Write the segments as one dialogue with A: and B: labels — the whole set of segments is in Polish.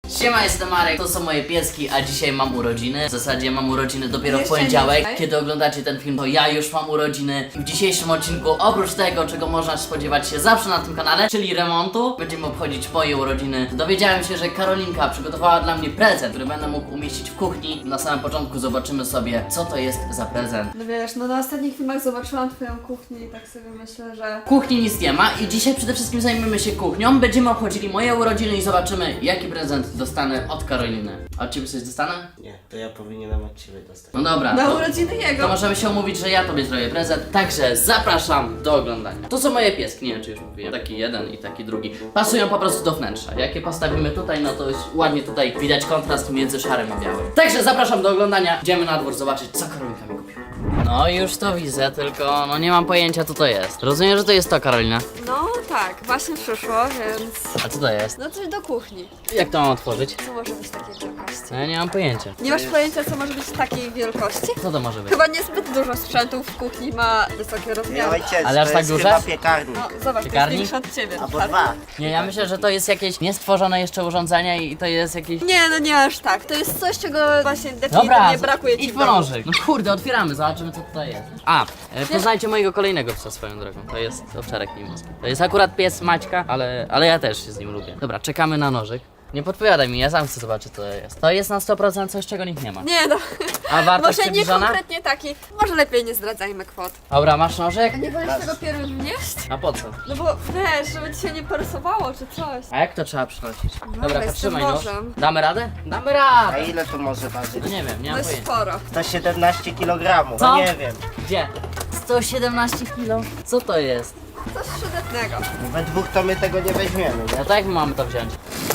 A: Siema, jestem Marek, to są moje pieski, a dzisiaj mam urodziny. W zasadzie mam urodziny dopiero w
B: Jeszcze
A: poniedziałek.
B: nie,
A: Kiedy oglądacie ten film, to ja już mam urodziny. W dzisiejszym odcinku, oprócz tego, czego można spodziewać się zawsze na tym kanale, czyli remontu, będziemy obchodzić moje urodziny. Dowiedziałem się, że Karolinka przygotowała dla mnie prezent, który będę mógł umieścić w kuchni. Na samym początku zobaczymy sobie, co to jest za prezent.
B: No wiesz, no na ostatnich filmach zobaczyłam twoją kuchnię i tak sobie myślę, że...
A: W kuchni nic nie ma i dzisiaj przede wszystkim zajmiemy się kuchnią. Będziemy obchodzili moje urodziny i zobaczymy, jaki prezent dostanę od Karoliny. A od ciebie coś dostanę?
C: Nie, to ja powinienem od ciebie dostać.
A: No dobra.
B: Na
A: to-
B: urodziny
A: To
B: jego!
A: możemy się umówić, że ja tobie zrobię prezent, także zapraszam do oglądania. To są moje pieski, nie wiem czy już mówiłem. Taki jeden i taki drugi. Pasują po prostu do wnętrza. Jak je postawimy tutaj, no to jest ładnie tutaj widać kontrast między szarym a białym. Także zapraszam do oglądania. Idziemy na dwór zobaczyć, co Karolinka mi kupiła. No już to widzę, tylko no nie mam pojęcia co to jest. Rozumiem, że to jest to, Karolina.
B: No tak, właśnie przyszło, więc...
A: A co to jest?
B: No coś do kuchni.
A: Jak to mam otworzyć?
B: Co może być takiej wielkości?
A: No ja nie mam pojęcia.
B: Nie masz pojęcia, co może być takiej wielkości?
A: Co to może być?
B: Chyba niezbyt dużo sprzętów w kuchni ma wysokie
C: Nie
B: rozmiary.
C: ojciec,
A: Ale aż
C: to
A: tak
C: jest
A: duże?
C: chyba piekarnik.
B: No zobacz, to
A: Piekarnik?
B: jest większe od ciebie.
C: Albo
B: tak?
C: dwa.
A: Nie, ja myślę, że to jest jakieś niestworzone jeszcze urządzenie i to jest jakieś...
B: Nie, no nie aż tak. To jest coś, czego właśnie
A: Dobra,
B: definitywnie brakuje ci
A: idź
B: w
A: po
B: domu.
A: nożyk. No kurde, otwieramy, zobaczymy co tutaj jest. A, poznajcie mojego kolejnego psa swoją drogą. To jest owczarek niemiecki. To jest akurat pies Maćka, ale ja też się z nim lubię. Dobra, czekamy na nożyk. Nie podpowiadaj mi, ja sam chcę zobaczyć co to jest. To jest na 100% coś, czego nikt nie ma.
B: Nie no,
A: A wartość
B: może nie
A: przybliżona?
B: konkretnie taki. Może lepiej nie zdradzajmy kwot.
A: Dobra, masz nożyk?
B: A nie wolisz tego pieru wnieść?
A: A po co?
B: No bo wiesz, żeby ci się nie parysowało czy coś.
A: A jak to trzeba przynosić? Dobra,
B: z tym
A: zatrzymaj nóż.
B: nożem.
A: Damy radę? Damy
C: A
A: radę!
C: ile to może ważyć?
A: No nie wiem, nie
B: No
A: mam
B: jest
A: pojęcia.
B: sporo.
C: 117 kg,
A: Co?
C: no nie wiem.
A: Gdzie? 117 kg? Co to jest?
B: Coś przydatnego.
C: We dwóch to my tego nie weźmiemy, nie?
A: No to jak my mamy to wziąć?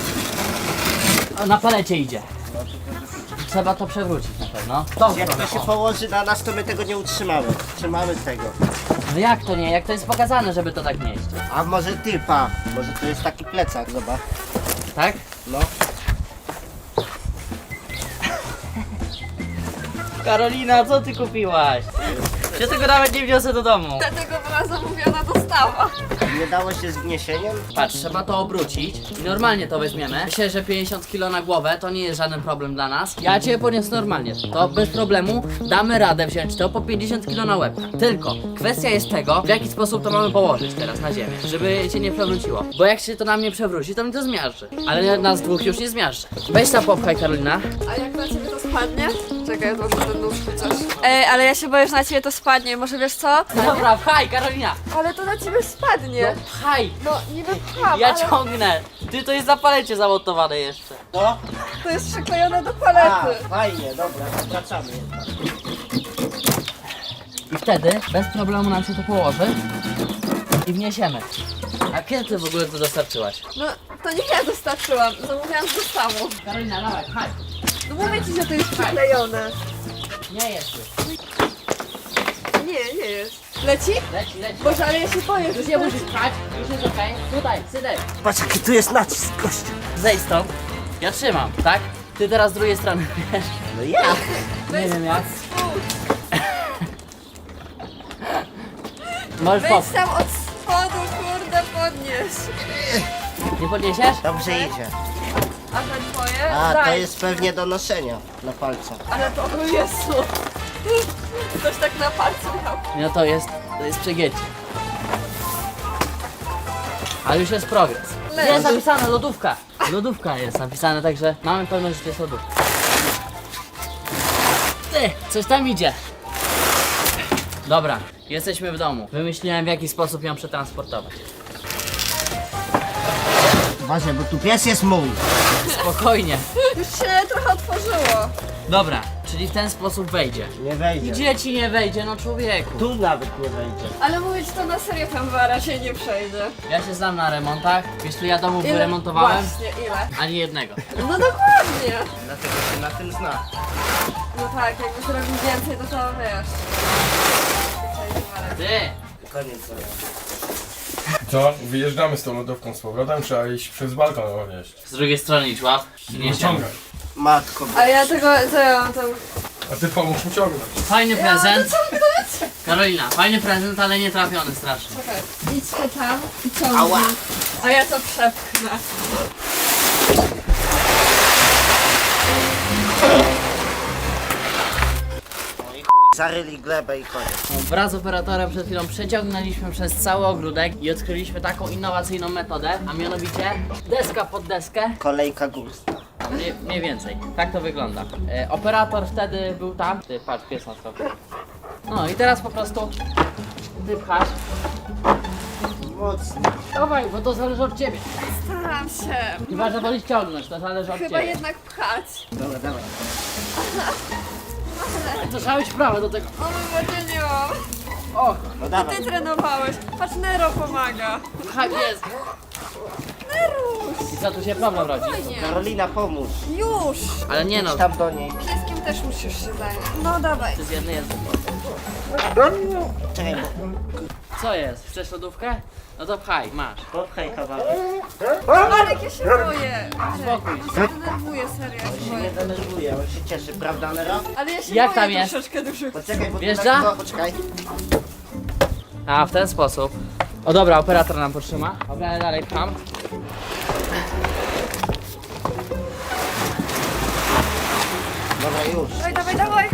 A: O, na palecie idzie. Trzeba to przewrócić na pewno. To
C: Jak to się położy na nas, to my tego nie utrzymamy. Trzymamy tego.
A: No jak to nie? Jak to jest pokazane, żeby to tak nieść?
C: A może ty, pa? Może to jest taki plecak, zobacz.
A: Tak?
C: No.
A: Karolina, co ty kupiłaś? Ja tego nawet nie wniosę do domu.
B: Dlatego była zamówiona dostawa.
C: Nie dało się z wniesieniem?
A: Patrz, trzeba to obrócić i normalnie to weźmiemy. Myślę, że 50 kg na głowę to nie jest żaden problem dla nas. Ja cię poniosę normalnie. To bez problemu damy radę wziąć to po 50 kg na łeb. Tylko kwestia jest tego, w jaki sposób to mamy położyć teraz na ziemię, żeby się nie przewróciło. Bo jak się to na mnie przewróci, to mnie to zmiażdży. Ale nas dwóch już nie zmiażdży. Weź ta popchaj, Karolina.
B: A jak na ciebie to spadnie? Czekaj, ja może ten nóż chociaż. Ej, ale ja się boję, że na ciebie to spadnie. Może wiesz co?
A: No dobra, pchaj, Karolina.
B: Ale to na ciebie spadnie.
A: No pchaj.
B: No niby pcham,
A: Ja
B: ale
A: ciągnę. Ty, to jest na palecie zamontowane jeszcze.
C: No.
B: to jest przyklejone do
C: A,
B: palety.
C: fajnie, dobra, to wracamy jednak.
A: I wtedy bez problemu nam się to położy i wniesiemy. A kiedy ty w ogóle to dostarczyłaś?
B: No to nie ja dostarczyłam, zamówiłam z dostawą.
A: Karolina, dawaj, pchaj.
B: No mówię ci, że to jest przyklejone.
A: Nie jest już.
B: Nie jest. Leci?
A: Leci, leci.
B: Boże, ale ja się boję, że
A: Już nie musisz pchać, już jest okej. Tutaj, Sydek.
C: Patrz jaki tu jest nacisk, gościu.
A: Zejdź stąd. Ja trzymam, tak? Ty teraz z drugiej strony, wiesz?
C: No jak?
A: Nie wiem jak.
B: Spód.
A: Możesz
B: Weź
A: popchnąć.
B: tam od spodu, kurde, podnieś.
A: Nie podniesiesz?
C: Dobrze idzie.
B: A te twoje?
C: A,
B: Daj.
C: to jest pewnie do noszenia na palcach.
B: Ale to, o Jezu. Ktoś tak na palcu miał.
A: No to jest przegięcie. Ale już jest progres.
B: Leży.
A: Jest napisane lodówka. Lodówka jest napisane, także mamy pewność, że to jest lodówka. Ty, coś tam idzie. Dobra, jesteśmy w domu. Wymyśliłem w jaki sposób ją przetransportować.
C: Uważaj, bo tu pies jest mój.
A: Spokojnie.
B: Już się trochę otworzyło.
A: Dobra, czyli w ten sposób wejdzie.
C: Nie wejdzie.
A: Gdzie ci nie wejdzie, no człowieku?
C: Tu nawet nie wejdzie.
B: Ale mówić to na serio tam raczej nie przejdzie.
A: Ja się znam na remontach. Wiesz, tu ja domów
B: Ile?
A: wyremontowałem?
B: Właśnie, ile?
A: Ani jednego.
B: No dokładnie.
C: Dlatego się na tym zna.
B: No tak, jakby zrobił więcej, to wiesz.
A: Ty!
C: Koniec.
D: Co? Wyjeżdżamy z tą lodówką z powrotem, trzeba iść przez balkon odnieść.
A: Z drugiej strony idź łap. Nie
D: Ciągaj.
C: Matko.
B: Ale ja tego, co ja mam tam...
D: A ty pomóż mi ciągnąć.
A: Fajny
B: Ja mam to
A: prezent.
B: ciągnąć?
A: Karolina, fajny prezent, ale nie trafiony strasznie.
B: Czekaj, idźcie tam i ciągnij.
C: Ała.
B: A ja to przepchnę.
C: Zaryli glebę i koniec.
A: Wraz z operatorem przed chwilą przeciągnęliśmy przez cały ogródek i odkryliśmy taką innowacyjną metodę, a mianowicie deska pod deskę.
C: Kolejka górska.
A: Mniej więcej. Tak to wygląda. Operator wtedy był tam. Ty, patrz, pies na stopie. No i teraz po prostu ty pchasz.
C: Mocno.
A: Dawaj, bo to zależy od ciebie.
B: Staram się.
A: Chyba, że wolisz ciągnąć, to zależy od
B: Chyba
A: ciebie.
B: jednak pchać.
C: Dobra, dawaj.
A: To trzeba być prawe do tego.
B: O, będzie nie mam.
A: O,
C: No dawaj.
B: Ty trenowałeś. Patrz, Nero pomaga.
A: tak jest.
B: Neruś.
A: I co tu się problem rodzi?
B: Fajnie.
C: Karolina, pomóż.
B: Już.
A: Ale nie no,
C: Idź tam do niej.
B: Pieskiem też musisz się zająć. No dawaj.
A: ty z jednej jest.
C: Czekaj, bo
A: Co jest? Chcesz lodówkę? No to pchaj, masz.
C: popchaj kawałek.
B: Marek, ja się boję.
A: Spokój
B: On się denerwuje, serio, ja się
C: Nie
B: boję.
C: denerwuję, on się cieszy, prawda, Nero?
B: Ale ja się
A: Jak
B: boję
A: tam jest?
B: troszeczkę dużych.
C: Poczekaj, bo tu
A: Wjeżdża?
C: lekko- Poczekaj.
A: A, w ten sposób. O dobra, operator nam potrzyma. Dobra, dalej pcham.
C: Dobra, już.
B: Dawaj, dawaj, dawaj.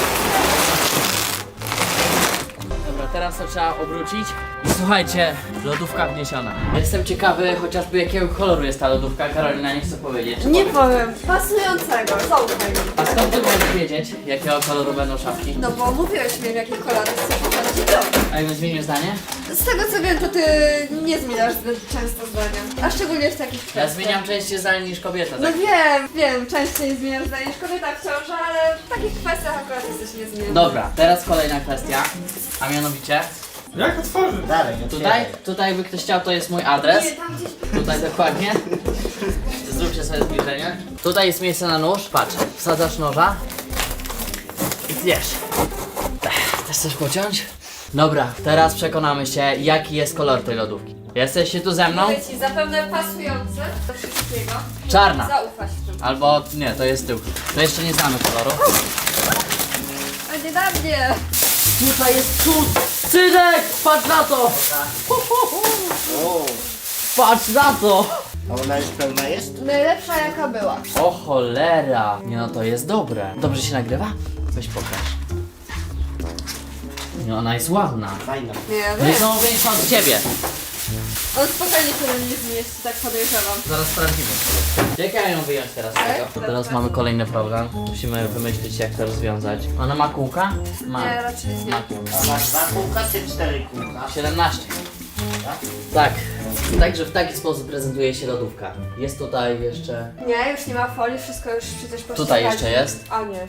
A: Dobra, teraz to trzeba obrócić. I słuchajcie, lodówka wniesiona. Jestem ciekawy chociażby jakiego koloru jest ta lodówka. Karolina nie chce powiedzieć.
B: Nie powiem. Pasującego. Zaufaj mi.
A: A skąd ty możesz wiedzieć, jakiego koloru będą szafki?
B: No bo mówiłeś mi, w jakich kolorach chcesz pokazać i to.
A: A jakbym zmienił zdanie?
B: Z tego co wiem, to ty nie zmieniasz zbyt często zdania. A szczególnie w takich
A: Ja
B: kwestiach.
A: zmieniam częściej zdanie niż kobieta.
B: No
A: Tak?
B: wiem, częściej zmieniasz zdanie niż kobieta w ciąży, ale w takich kwestiach akurat jesteś niezmienny.
A: Dobra, teraz kolejna kwestia. A mianowicie,
D: Jak otworzyć?
C: Dalej,
A: tutaj by ktoś chciał, to jest mój adres.
B: Nie, tam gdzieś...
A: Tutaj dokładnie. Zróbcie sobie zbliżenie. Tutaj jest miejsce na nóż. Patrz, wsadzasz noża i tniesz. Też chcesz pociąć? Dobra, teraz przekonamy się, jaki jest kolor tej lodówki. Jesteście tu ze mną?
B: Mówię ci, zapewne pasujący do wszystkiego.
A: Czarna.
B: Zaufać w tym.
A: Albo nie, to jest tył. To jeszcze nie znamy koloru.
B: A nie da mnie.
A: Tutaj jest cud! Synek! Patrz na to!
C: O,
A: Patrz na to!
C: a ona już pełna jest?
B: Najlepsza jaka była.
A: O cholera! Nie no, to jest dobre. Dobrze się nagrywa? Weź pokaż. Nie, ona jest ładna.
C: Fajna.
B: Nie,
A: No i
B: wiem.
A: są większa od ciebie.
B: On spokojnie tyle nie zmieści, tak podejrzewam.
A: Zaraz sprawdzimy. Jak ja ją wyjąć teraz z tego? To teraz mamy kolejny problem. Musimy wymyślić, jak to rozwiązać. Ona ma kółka? Ma.
B: Nie, raczej nie.
A: Ma kółka.
C: A masz 2 kółka czy 4 kółka?
A: 17. Tak. Także w taki sposób prezentuje się lodówka. Jest tutaj jeszcze...
B: Nie, już nie ma folii, wszystko już przecież pościgać.
A: Tutaj jeszcze jest.
B: A nie.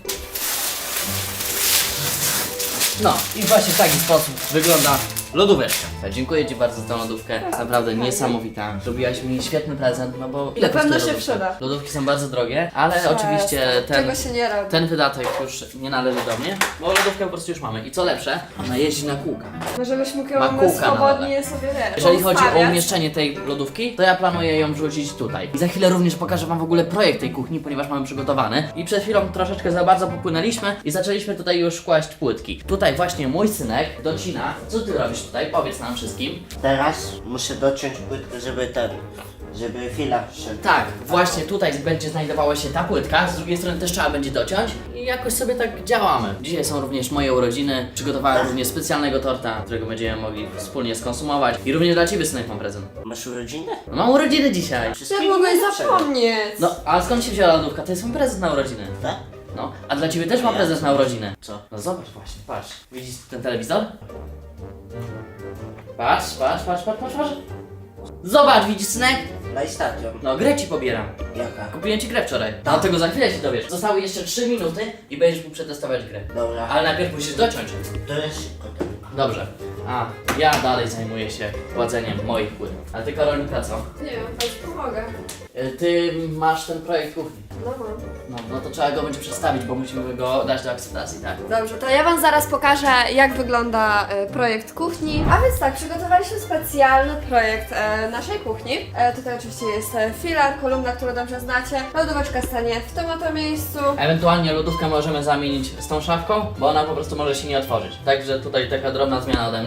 A: No i właśnie w taki sposób wygląda lodóweczka. Dziękuję Ci bardzo za tą lodówkę. Jest naprawdę niesamowita. Zrobiłaś mi świetny prezent, no bo ile
B: Na pewno
A: kosztuje
B: się
A: lodówka?
B: przyda.
A: Lodówki są bardzo drogie, ale oczywiście
B: Czego się nie robi.
A: ten wydatek już nie należy do mnie, bo lodówkę po prostu już mamy. I co lepsze, ona jeździ na kółkach.
B: No żebyś mógł
A: Ma
B: ją
A: kółka na
B: swobodnie sobie wiesz.
A: Jeżeli chodzi o
B: poustawiać.
A: umieszczenie tej lodówki, to ja planuję ją wrzucić tutaj. I za chwilę również pokażę Wam w ogóle projekt tej kuchni, ponieważ mamy przygotowany. I przed chwilą troszeczkę za bardzo popłynęliśmy i zaczęliśmy tutaj już kłaść płytki. Tutaj właśnie mój synek docina. Co Ty robisz tutaj? Powiedz nam wszystkim.
C: Teraz muszę dociąć płytkę, żeby filar wszedł.
A: Tak, właśnie tutaj będzie znajdowała się ta płytka, z drugiej strony też trzeba będzie dociąć i jakoś sobie tak działamy. Dzisiaj są również moje urodziny, przygotowałem również specjalnego torta, którego będziemy mogli wspólnie skonsumować i również dla Ciebie, synek, mam prezent.
C: Masz urodziny?
A: No, mam urodziny dzisiaj.
B: Ty
C: Wszystkiego
B: mogłeś
C: najlepszego.
B: zapomnieć.
A: No, a skąd się wzięła lodówka? To jest mój prezent na urodziny.
C: Tak?
A: No, a dla Ciebie też mam prezent na urodziny.
C: Co?
A: No zobacz właśnie, patrz. Widzisz ten telewizor? Patrz. Zobacz, widzisz, synek?
C: PlayStation.
A: No, grę Ci pobieram.
C: Jaka?
A: Kupiłem Ci grę wczoraj. No, tego za chwilę się dowiesz. Zostały jeszcze 3 minuty i będziesz mógł przetestować grę.
C: Dobra.
A: Ale najpierw musisz dociąć.
C: To jest szybko.
A: Dobrze. A ja dalej zajmuję się kładzeniem moich płyt. A Ty, Karolinka, co?
B: Nie wiem, chodź pomogę.
A: Ty masz ten projekt kuchni.
B: No mam.
A: No to trzeba go będzie przedstawić, bo musimy go dać do akceptacji, tak?
B: Dobrze, to ja Wam zaraz pokażę, jak wygląda projekt kuchni. A więc tak, przygotowaliśmy specjalny projekt naszej kuchni. Tutaj oczywiście jest filar, kolumna, którą dobrze znacie. Lodóweczka stanie w tym oto miejscu.
A: Ewentualnie lodówkę możemy zamienić z tą szafką, bo ona po prostu może się nie otworzyć. Także tutaj taka drobna zmiana ode mnie.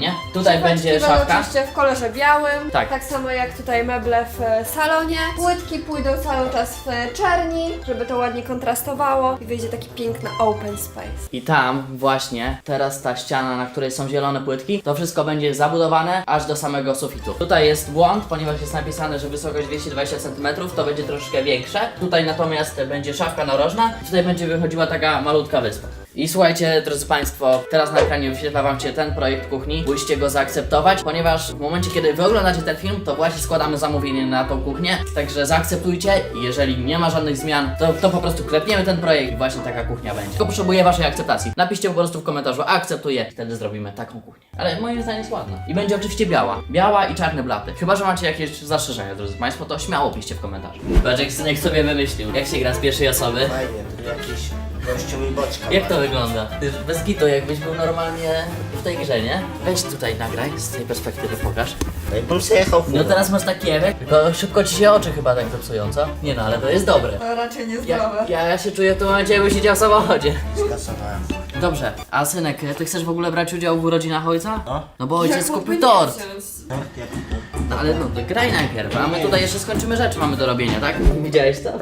A: nie? Tutaj będzie
B: Słuchawki będą
A: szafka.
B: oczywiście w kolorze białym,
A: Tak.
B: tak samo jak tutaj meble w salonie. Płytki pójdą cały czas w czerni, żeby to ładnie kontrastowało i wyjdzie taki piękny open space.
A: I tam właśnie, teraz ta ściana, na której są zielone płytki, to wszystko będzie zabudowane aż do samego sufitu. Tutaj jest błąd, ponieważ jest napisane, że wysokość 220 cm, to będzie troszeczkę większe. Tutaj natomiast będzie szafka narożna, tutaj będzie wychodziła taka malutka wyspa. I słuchajcie, drodzy Państwo, teraz na ekranie wyświetla Wam się ten projekt kuchni. Musicie go zaakceptować, ponieważ w momencie, kiedy Wy oglądacie ten film, to właśnie składamy zamówienie na tą kuchnię. Także zaakceptujcie i jeżeli nie ma żadnych zmian, to po prostu klepniemy ten projekt i właśnie taka kuchnia będzie. Tylko potrzebuję Waszej akceptacji. Napiszcie po prostu w komentarzu akceptuję i wtedy zrobimy taką kuchnię. Ale moim zdaniem jest ładna. I będzie oczywiście biała. Biała i czarne blaty. Chyba że macie jakieś zastrzeżenia, drodzy Państwo, to śmiało piszcie w komentarzu. Patrz jak synek sobie wymyślił. Jak się gra z pierwszej osoby?
C: Fajnie, to jakiś gościu mi boczka.
A: Jak to
C: ma.
A: wygląda? Ty bez gitu, jakbyś był normalnie w tej grze, nie? Weź tutaj nagraj, z tej perspektywy pokaż.
C: No i bym sobie jechał furą.
A: No teraz masz taki efekt, tylko szybko ci się oczy chyba tak zepsują, co? Nie no, ale to jest dobre.
B: To raczej niezdrowe.
A: Ja się czuję w tym momencie, jakbym siedział w samochodzie.
C: Skasowałem.
A: Dobrze, a synek, ty chcesz w ogóle brać udział w urodzinach ojca?
C: No.
A: No bo ojciec
B: Jak
A: kupił
B: mógłby nie
A: tort.
B: wziąć?
C: Tak, jak to?
A: No ale no, to graj najpierw, a my tutaj jeszcze skończymy rzeczy mamy do robienia, tak? Widziałeś to?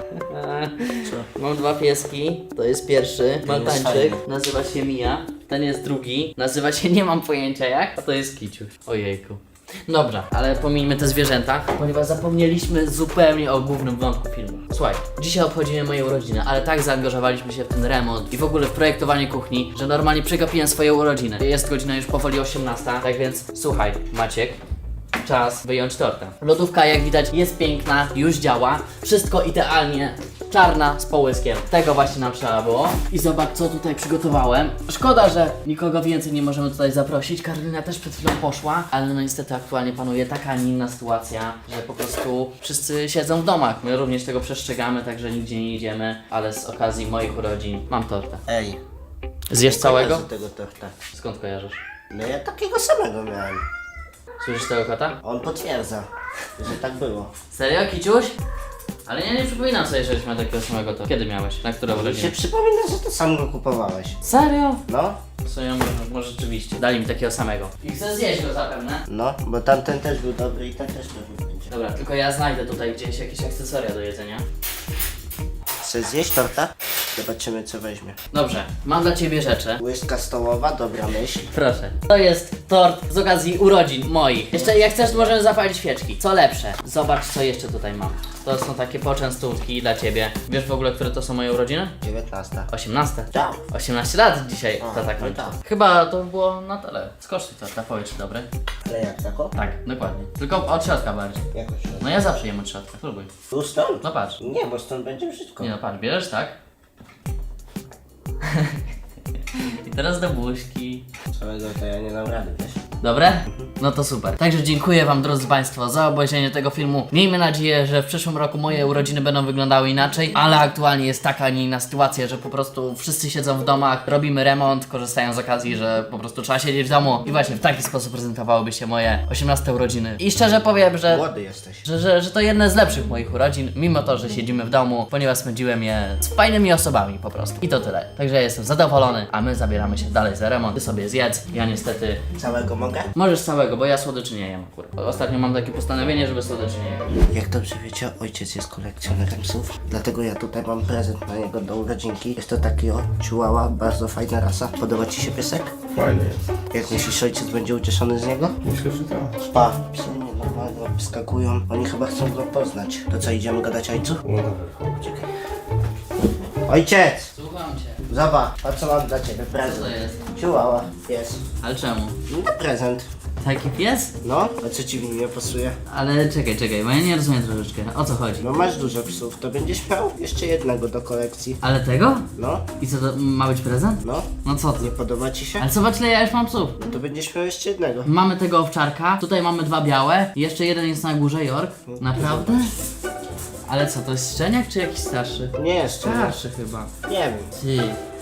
A: Mam dwa pieski, to jest pierwszy, Maltańczyk,
C: fajny.
A: nazywa się Mija, ten jest drugi, nazywa się nie mam pojęcia jak, a to jest Kiciuś. Ojejku. Dobra, ale pomijmy te zwierzęta, ponieważ zapomnieliśmy zupełnie o głównym wątku filmu. Słuchaj, dzisiaj obchodzimy moje urodziny, ale tak zaangażowaliśmy się w ten remont i w ogóle w projektowanie kuchni, że normalnie przegapiłem swoje urodziny. Jest godzina już powoli 18, tak więc słuchaj, Maciek. Czas wyjąć tortę. Lodówka, jak widać, jest piękna, już działa. Wszystko idealnie. Czarna z połyskiem. Tego właśnie nam trzeba było. I zobacz, co tutaj przygotowałem. Szkoda, że nikogo więcej nie możemy tutaj zaprosić. Karolina też przed chwilą poszła, ale no niestety aktualnie panuje taka, a nie inna sytuacja, że po prostu wszyscy siedzą w domach. My również tego przestrzegamy, także nigdzie nie idziemy, ale z okazji moich urodzin mam tortę.
C: Ej.
A: Zjesz całego?
C: Z tego torta.
A: Skąd kojarzysz?
C: No ja takiego samego miałem.
A: Słyszysz tego kota?
C: On potwierdza, że tak było.
A: Serio, Kiciuś? Ale ja nie przypominam sobie, żeś miał takiego samego to. Kiedy miałeś? Na które
C: Mi się
A: urodziny?
C: przypomina, że ty sam go kupowałeś.
A: Serio?
C: No,
A: W sumie może rzeczywiście. Dali mi takiego samego. I chcę zjeść go zapewne.
C: no, bo tamten też był dobry i ten też dobry będzie.
A: Dobra, tylko ja znajdę tutaj gdzieś jakieś akcesoria do jedzenia.
C: Chcesz zjeść torta? Zobaczymy co weźmie.
A: Dobrze, mam dla ciebie rzeczy.
C: Łyżka stołowa, dobra myśl.
A: Proszę. To jest tort z okazji urodzin moich. Jeszcze jak chcesz, możemy zapalić świeczki. Co lepsze, zobacz co jeszcze tutaj mam. To są takie poczęstówki dla ciebie. Wiesz w ogóle, które to są moje urodziny?
C: 19.
A: 18.
C: Tak.
A: 18 lat dzisiaj to tak
C: no
A: kończy.
C: tak.
A: Chyba to było na tyle. Skosztuj torta, powiedz czy dobry.
C: Ale jak tako?
A: Tak, dokładnie. Tylko od środka bardziej.
C: Jakoś.
A: No ja zawsze jem od środka, spróbuj.
C: Tu stąd?
A: No patrz.
C: Nie, bo stąd będzie brzydko.
A: Nie no patrz, bierzesz tak? I teraz do buźki.
C: Całego to ja nie dam rady, wiesz?
A: Dobre? No to super. Także dziękuję Wam, drodzy Państwo, za obejrzenie tego filmu. Miejmy nadzieję, że w przyszłym roku moje urodziny będą wyglądały inaczej, ale aktualnie jest taka, a nie inna sytuacja, że po prostu wszyscy siedzą w domach, robimy remont, korzystają z okazji, że po prostu trzeba siedzieć w domu i właśnie w taki sposób prezentowałyby się moje 18 urodziny. I szczerze powiem, że
C: Młody jesteś.
A: że to jedne z lepszych moich urodzin, mimo to, że siedzimy w domu, ponieważ spędziłem je z fajnymi osobami po prostu. I to tyle. Także ja jestem zadowolony, a my zabieramy się dalej za remont. Ty sobie zjedz, ja niestety...
C: Całego mogę?
A: Możesz całego, bo ja słodyczy nie jem akurat. Ostatnio mam takie postanowienie, żeby słodyczy nie jem.
C: Jak dobrze wiecie, ojciec jest kolekcjonerem psów, dlatego ja tutaj mam prezent na niego do urodzinki. Jest to taki o chihuahua, bardzo fajna rasa. Podoba ci się piesek?
D: Fajny jest.
C: Jak myślisz, ojciec będzie ucieszony z niego?
D: Myślę, że tak.
C: Pa, psy nienormalnie wyskakują. Oni chyba chcą go poznać. To co, idziemy gadać ojcu?
D: No dobra, chodź.
C: Czekaj. Ojciec!
A: Słucham cię.
C: Zobacz, a co mam dla ciebie?
A: Co
C: Prezent.
A: to jest?
C: Chihuahua, pies.
A: Ale czemu?
C: No prezent.
A: Taki pies?
C: No, a co ci w nim nie pasuje?
A: Ale czekaj, bo ja nie rozumiem troszeczkę. O co chodzi?
C: No masz dużo psów, to będziesz miał jeszcze jednego do kolekcji.
A: Ale tego?
C: No,
A: I co, to ma być prezent?
C: no.
A: No co ty?
C: Nie podoba ci się?
A: Ale zobacz, ile ja już mam psów.
C: No to będziesz miał jeszcze jednego.
A: Mamy tego owczarka, tutaj mamy dwa białe, jeszcze jeden jest na górze, York. Naprawdę? Ale co, to jest szczeniak czy jakiś starszy?
C: Nie jeszcze.
A: Starszy chyba.
C: Nie wiem.
A: Ty.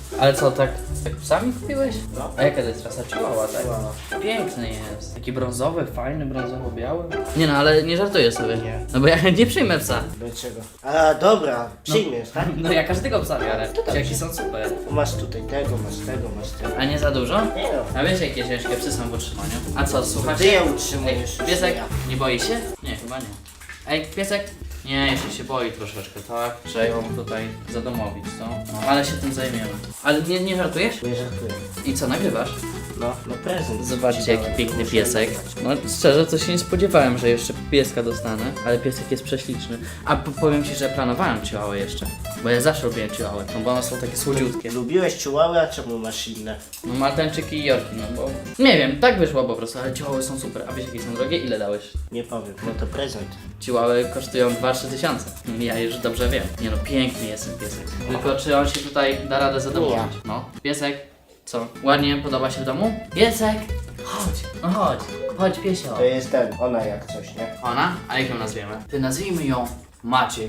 A: Ale co, tak sami kupiłeś?
C: No.
A: A jaka to jest rasa? Chihuahua, tak?
C: Chihuahua.
A: Piękny jest. Taki brązowy, fajny, brązowo-biały. Nie no, ale nie żartuję sobie.
C: Nie.
A: No bo ja nie przyjmę psa.
C: Dlaczego? A dobra, przyjmiesz, tak?
A: No ja każdego psa biorę. Jaki są super.
C: Masz tutaj tego, masz tego, masz tego.
A: A nie za dużo?
C: Nie no.
A: A wiesz jakie ciężkie psy są w utrzymaniu? A co,
C: Ty
A: słuchacie?
C: je
A: Ej,
C: utrzymujesz.
A: piesek,
C: Ja.
A: nie boi się? Nie, chyba nie. Ej, piesek? Nie, jeszcze się boi troszeczkę, tak? Trzeba ją tutaj zadomowić, co? No, ale się tym zajmiemy. Ale nie żartujesz?
C: Nie żartuję.
A: I co, nagrywasz?
C: No prezent.
A: Zobaczcie
C: ci
A: jaki
C: dałem.
A: piękny
C: Muszę
A: piesek.
C: nagrywać.
A: No szczerze to się nie spodziewałem, że jeszcze pieska dostanę, ale piesek jest prześliczny. A powiem ci, że planowałem chihuahua jeszcze. Bo ja zawsze lubiłem chihuahua, no bo one są takie słodziutkie.
C: Lubiłeś chihuahua, a czemu masz inne?
A: No maltańczyki i jorki, no bo... Nie wiem, tak wyszło po prostu, ale chihuahy są super. A wiesz jakie są drogie? Ile dałeś?
C: Nie powiem, no to prezent.
A: Chihuahy kosztują 2-3 tysiące. Ja już dobrze wiem. Nie no, piękny jest ten piesek. Tylko czy on się tutaj da radę zadomowić? No. Piesek, co? Ładnie podoba się w domu? Piesek! Chodź, no chodź. Chodź piesio.
C: To jest ten, ona jak coś, nie?
A: Ona? A jak ją nazwiemy? Ty nazwijmy ją Maciek.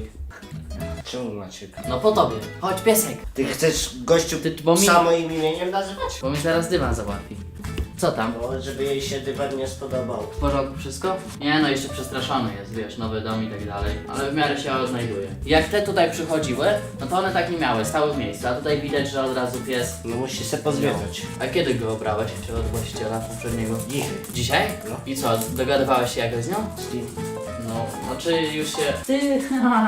C: Czemu Maciek?
A: No po tobie. Chodź piesek.
C: Ty chcesz gościu
A: bo mi-
C: samo imieniem nazywać?
A: Bo mi zaraz dywan załatwi. Co tam?
C: No, żeby jej się dywan nie spodobał.
A: W porządku wszystko? Nie no, jeszcze przestraszony jest, wiesz, nowy dom i tak dalej. Ale w miarę się odnajduje. Jak te tutaj przychodziły, no to one tak nie miały, stały w miejscu. A tutaj widać, że od razu pies...
C: No musi się pozwiedzać.
A: A kiedy go obrałeś? Czy od właściciela poprzedniego?
C: Dzisiaj.
A: Dzisiaj?
C: No.
A: I co, dogadywałeś się jakoś z nią?
C: Z kim?
A: No, znaczy już się... Ty,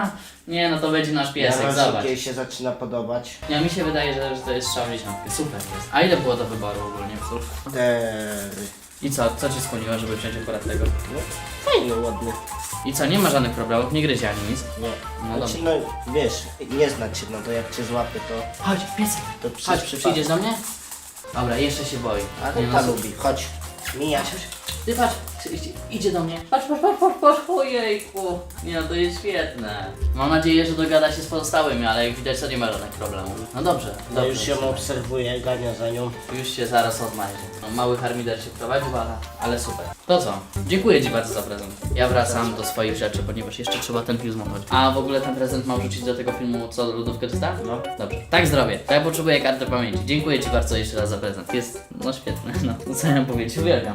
A: nie no to będzie nasz piesek,
C: Ja
A: zobacz.
C: jej się zaczyna podobać.
A: Ja mi się wydaje, że to jest strzał w dziesiątkę. Super jest. A ile było do wyboru ogólnie psów?
C: 4.
A: I co ci skłoniło, żeby wziąć akurat tego?
C: No, fajny, ładny.
A: I co, nie ma żadnych problemów, nie gryzie ani nic?
C: Nie.
A: No
C: Znaczy, no wiesz, nie znać się, no to jak cię złapie, to...
A: Chodź, piesek.
C: To przez
A: Chodź,
C: przypadek.
A: przyjdziesz do mnie? Dobra, jeszcze się boi.
C: A
A: Nie
C: to
A: no,
C: ta lubi, chodź. Mija.
A: Ty patrz, idzie do mnie. Patrz, ojejku. Nie no, to jest świetne. Mam nadzieję, że dogada się z pozostałymi, ale jak widać to nie ma żadnych problemów. No dobrze,
C: No
A: dobrze.
C: już ją obserwuję, gania za nią.
A: Już się zaraz odnajdzie. No, mały harmider się prowadzi, ale super. To co? Dziękuję ci bardzo za prezent. Ja wracam do swoich rzeczy, ponieważ jeszcze trzeba ten film zmontować. A w ogóle ten prezent mam wrzucić do tego filmu, co lodówkę dostałem?
C: No.
A: Dobrze. Tak zrobię. To ja potrzebuję karty pamięci. Dziękuję ci bardzo jeszcze raz za prezent. Jest, no świetny. No, co ja mam powiedzieć? Uwielbiam.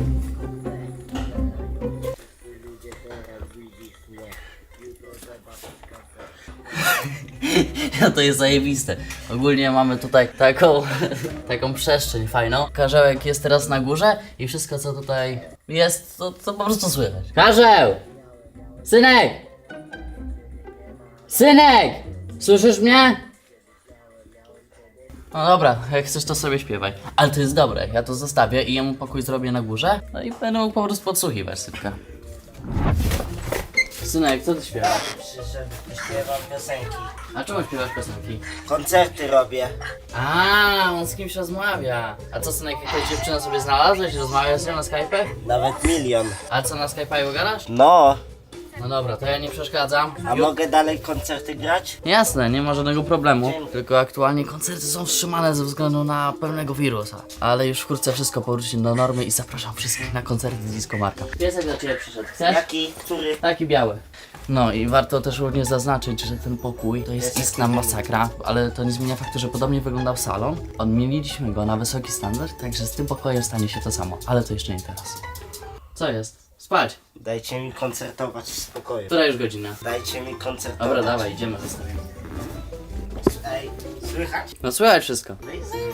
A: No to jest zajebiste. Ogólnie mamy tutaj taką przestrzeń fajną. Karzełek jest teraz na górze i wszystko co tutaj jest, to po prostu słychać. Karzeł! Synek! Synek! Słyszysz mnie? No dobra, jak chcesz to sobie śpiewaj. Ale to jest dobre, ja to zostawię i jemu pokój zrobię na górze. No i będę mógł po prostu podsłuchiwać sypka. Synek, co ty śpiewasz?
C: Przyszedł, śpiewam piosenki.
A: A czemu śpiewasz piosenki?
C: Koncerty robię.
A: A, on z kimś rozmawia. A co, synek, jakąś dziewczynę sobie znalazłeś? Rozmawiasz z nią na Skype'ie?
C: Nawet 1 000 000.
A: A co, na Skype'ie gadasz?
C: No,
A: No dobra, to ja nie przeszkadzam.
C: a mogę dalej koncerty grać?
A: Jasne, nie ma żadnego problemu.
C: Dzięki.
A: Tylko aktualnie koncerty są wstrzymane ze względu na pewnego wirusa. Ale już wkrótce wszystko powróci do normy i zapraszam wszystkich na koncerty z Disco Marka. Piesek do ciebie przyszedł, chcesz?
C: Jaki? Który?
A: Taki biały. No i warto też również zaznaczyć, że ten pokój to jest istna masakra, ale to nie zmienia faktu, że podobnie wyglądał salon. Odmieniliśmy go na wysoki standard, także z tym pokojem stanie się to samo, ale to jeszcze nie teraz. Co jest? Spać.
C: Dajcie mi koncertować w spokoju.
A: Która już godzina?
C: Dajcie mi koncertować.
A: Dobra, dawaj, idziemy, zostawimy.
C: Ej, słychać?
A: No słychać wszystko.
C: No i